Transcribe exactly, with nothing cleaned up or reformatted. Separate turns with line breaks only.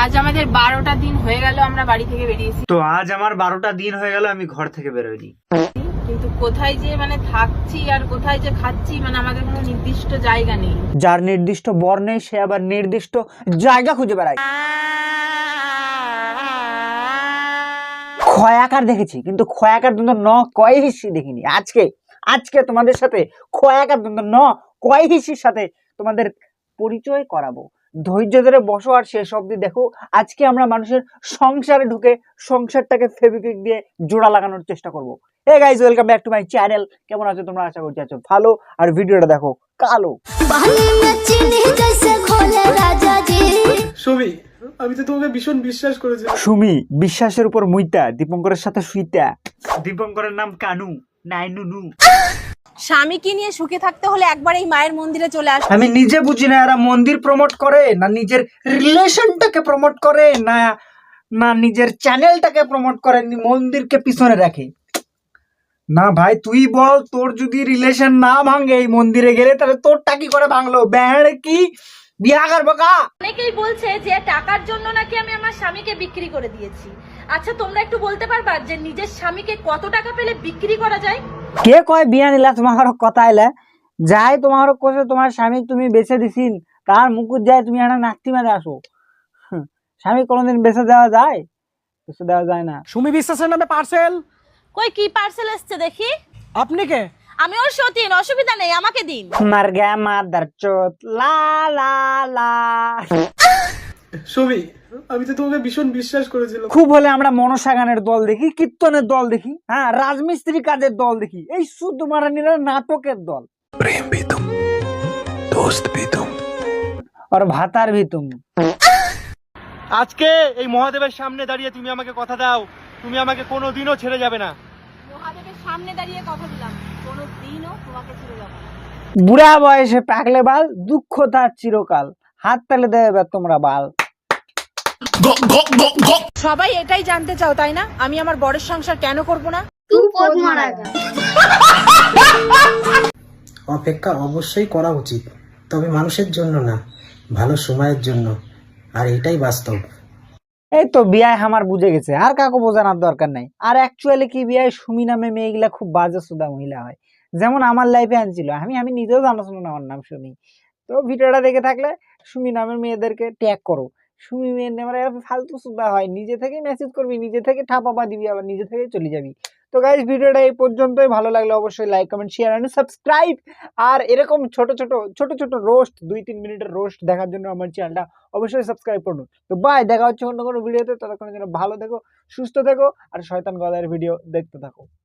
আজ আমাদের বারোটা দিন হয়ে গেল আমরা বাড়ি থেকে বেরিয়েছি।
তো আজ আমার বারোটা দিন হয়ে গেল আমি ঘর থেকে বেরোইনি,
কিন্তু কোথায় যে মানে থাকছি আর কোথায় যে খাচ্ছি মানে আমাদের কোনো নির্দিষ্ট জায়গা নেই।
যার নির্দিষ্ট বর নেই সে আবার নির্দিষ্ট জায়গা খুঁজে বেড়ায়। খয়াকার দেখেছি কিন্তু খয়াকার দ্বন্দ্ব ন কয় হিসি দেখিনি। আজকে আজকে তোমাদের সাথে খয়াকার দ্বন্দ্ব ন কয় হিসির সাথে তোমাদের পরিচয় করাবো। ধৈর্য ধরে বসো আর শেষ অবধি দেখো। আজকে আমরা মানুষের সংসারে ঢুকে সংসারটাকে ফেভিকুইক দিয়ে জোড়া লাগানোর চেষ্টা করব। Hey guys, welcome back to my channel. কেমন আছো তোমরা? আশা করছি আছো ভালো। আর ভিডিওটা দেখো কালো।
সুমি, আমি তো তোমাকে ভীষণ বিশ্বাস করেছি।
সুমি বিশ্বাসের উপর মুইতা দীপঙ্করের সাথে শুইতা। দীপঙ্করের নাম কানু নাই নুনু।
স্বামীকে নিয়ে সুখে থাকতে হলে একবার এই মায়ের মন্দিরে চলে আস।
আমি নিজে বুঝি না এরা মন্দির প্রমোট করে না নিজের রিলেশনটাকে প্রমোট করে না না নিজের চ্যানেলটাকে প্রমোট করে, মন্দিরকে পিছনে রাখে। না ভাই তুই বল, তোর যদি রিলেশন না ভাঙে এই মন্দিরে গেলে তাহলে তোরটা কি করে ভাঙলো? ব্যান্ড কি বিয়া করবো কা?
অনেকেই বলছে যে টাকার জন্য নাকি আমি আমার স্বামীকে বিক্রি করে দিয়েছি। আচ্ছা তোমরা একটু বলতে পারবা যে নিজের স্বামীকে কত টাকা পেলে বিক্রি করা যায়?
কে কয় বিয়া নিলা তোমার কথা এলে যাই তোমার কোসে তোমার স্বামী তুমি বেঁচে দিছিন তার মুকুট যায় তুমি একটা নাকতি মারে আসো। স্বামী কোনোদিন বেঁচে দেওয়া যায়? বেঁচে দেওয়া যায় না।
সুমি বিশ্বাসের নামে পার্সেল।
কই কি পার্সেল এসছে দেখি।
আপনি কে?
আমি ওর সতীন, অসুবিধা নেই, আমাকে দিন।
মার গা মাদার চোত লা লা লা।
সুমি, আমি তো তোমাকে ভীষণ বিশ্বাস করেছিলাম।
খুব হলে আমরা মনসা গানের দল দেখি, কীর্তনের দল দেখি, হ্যাঁ রাজমিস্ত্রি কাজের দল দেখি, এই শুদ্ধ মারানিরা নাটকের দল।
प्रेम भी तुम, दोस्त भी तुम,
আর ভাতার ভি তুম।
আজকে এই মহাদেবের সামনে দাঁড়িয়ে তুমি আমাকে কথা দাও, তুমি আমাকে কোনোদিনও ছেড়ে যাবে না।
মহাদেবের সামনে দাঁড়িয়ে কথা দিলাম, কোনো দিনও তোমাকে ছেড়ে যাব না।
বুড়া বয়সে পাকলে বাল, দুঃখ তার চিরকাল, হাত তালে দেবে তোমরা বাল।
সবাই এটাই জানতে চাও তাই না, আমি আমার বরের সংসার কেন করব না?
অপেক্ষা অবশ্যই করা উচিত, তবে মানুষের জন্য না, ভালো সময়ের জন্য। আর এটাই বাস্তব।
এই তো বিয়ায় আমার বুঝে গেছে, আর কাকু বোঝানোর দরকার নাই। আর অ্যাকচুয়ালি কি বিয়ায় সুমি নামে মেয়েগুলা খুব বাজে সুদা মহিলা হয়, যেমন আমার লাইফে আনছিল। আমি আমি নিজেও জানাশোনা না আমার নাম সুমি। তো ভিডিওটা দেখে থাকলে সুমি নামের মেয়েদেরকে ট্যাগ করো। সুমি মেয়ের নামে ফালতু সুদা হয়, নিজে থেকেই মেসেজ করবি, নিজে থেকে ঠাপাপা দিবি, আবার নিজে থেকে চলে যাবি। তো গাইস ভিডিওটা এই পর্যন্তই। ভালো লাগলে অবশ্যই like comment share and subscribe. আর এরকম ছোট ছোট ছোট ছোট রোস্ট, দুই তিন মিনিটের রোস্ট দেখার জন্য আমার চ্যানেলটা অবশ্যই সাবস্ক্রাইব করুন। তো বাই, দেখা হচ্ছে অন্য কোনো ভিডিওতে। ততক্ষণের জন্য ভালো থেকো, সুস্থ থেকো আর শয়তান গদায়ের ভিডিও দেখতে থাকো।